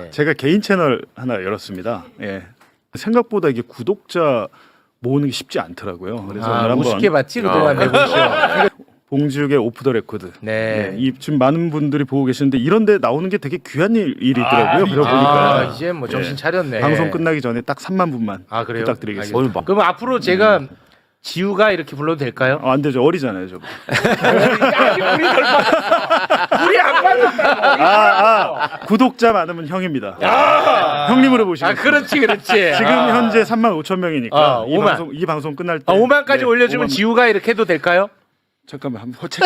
제가 개인 채널 하나 열었습니다. 예. 생각보다 이게 구독자 모으는 게 쉽지 않더라고요. 그래서 오늘 한번 우습게 봤지 그동안 내보시오. 봉지욱의 오프 더 레코드. 네. 이 지금 많은 분들이 보고 계시는데 이런데 나오는 게 되게 귀한 일이더라고요. 그러보니까 이제 뭐 정신 차렸네. 방송 끝나기 전에 딱 3만 분만 그래요? 부탁드리겠습니다. 그럼 앞으로 제가 지우가 이렇게 불러도 될까요? 안 되죠. 어리잖아요, 저. 우리 안 받았다. 구독자 많으면 형입니다. 형님으로 보시면. 그렇지. 지금 현재 3만 5천 명이니까 5만. 이 방송 끝날 때 5만까지 올려주면 5만. 지우가 이렇게 해도 될까요? 잠깐만 한번 호책.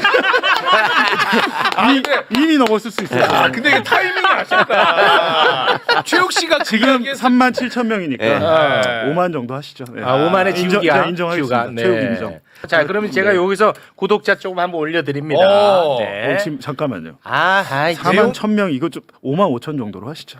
이미 넘었을 수 있어요. 근데 이게 타이밍이 아쉽다. 최욱 씨가 지금 3만 7천 명이니까 5만 정도 하시죠. 네. 5만의 지우기야. 인정하겠습니다. 지우가. 최욱 인정. 자, 그러면 제가 여기서 구독자 조금 한번 올려드립니다. 네. 지금 잠깐만요. 4만 1천 명 이거 좀 5만 5천 정도로 하시죠.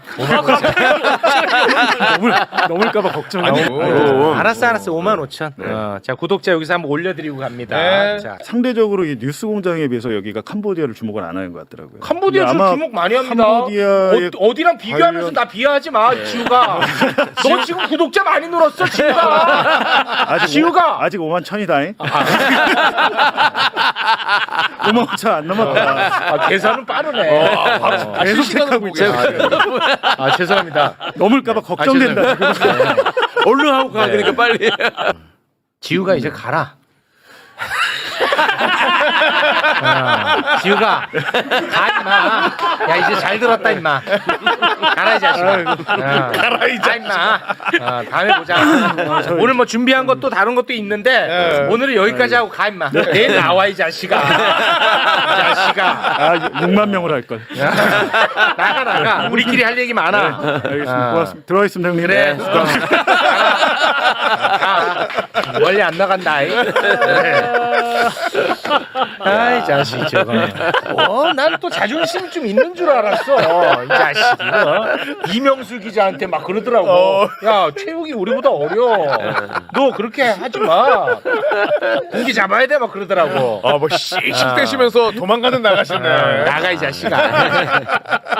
넘을까봐 걱정이. 알았어. 5만 5천. 자, 구독자 여기서 한번 올려드리고 갑니다. 네. 자, 상대적으로 이 뉴스공장에 비해서 여기가 캄보디아를 주목을 안 하는 것 같더라고요. 캄보디아 근데 좀 아마 주목 많이 합니다. 캄보디아의 어디랑 비교하면서 나 비하하지 마, 지우가. 너 지금 구독자 많이 늘었어, 지우가. 지우가. 아직 5만 1천이다잉. 5만 5천 안 넘었다. 계산은 빠르네. 계속 체크하고 있죠. 죄송합니다. 넘을까봐 걱정된다. 얼른 하고 가. 그러니까 빨리. 지우가 이제 가라. 지우가 가 임마. 야 이제 잘 들었다 임마. 가라 이 자식아. 가라 이 임마. 다음에 보자. 오늘 뭐 준비한 것도 다른 것도 있는데 오늘은 여기까지 하고 가 임마. 내일 나와 이 자식아. 이 자식아. 6만 명으로 할 걸. 나가. 우리끼리 할 얘기 많아. 알겠습니다. 고맙습니다. 들어가겠습니다, 형님. 그래. 가. 멀리 안 나간다. 아이 자식 저거. 난 또 자존심 좀 있는 줄 알았어. 이 자식 이거. 이명수 기자한테 막 그러더라고. 야 최욱이 우리보다 어려. 너 그렇게 하지 마. 공기 잡아야 돼 막 그러더라고. 뭐 씩씩대시면서 도망가는 나가시네. 나가 이 자식아.